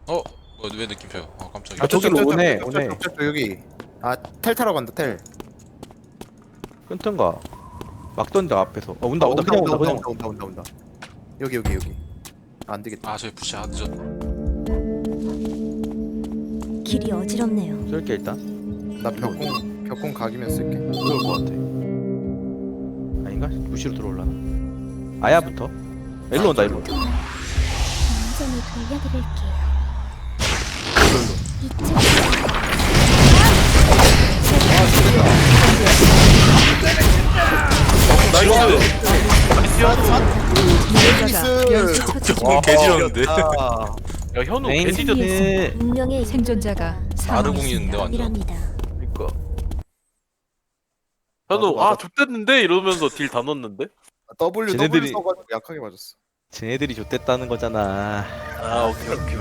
왜 느낌표요? 깜짝이야. 아 저기로 오네. 여기. 아 텔 타러 간다 텔. 끊던가. 막 던져 앞에서. 온다 그냥 온다 그냥. 온다. 여기. 안 되겠다. 저기 푸시 늦었다. 길이 어지럽네요. 쏠게 일단. 나 벽공 각이면 쓸게. 들어올 것 같아. 아닌가? 부시로 들어올라나? 아야부터. 일로 온다 일로. 완전히 돌려드릴게요. 이쪽 나이스. 정말 개지렸는데. 야 현우 에잉. 개지졌네. 네. 운명의 생존자가 아르궁이는데 완전. 이랍니다. 그니까. 현우 맞아. 좆됐는데 이러면서 딜 다 넣었는데. W 쟤네들이- 써가지고 약하게 맞았어. 쟤네들이 좆됐다는 거잖아. 아 오케이.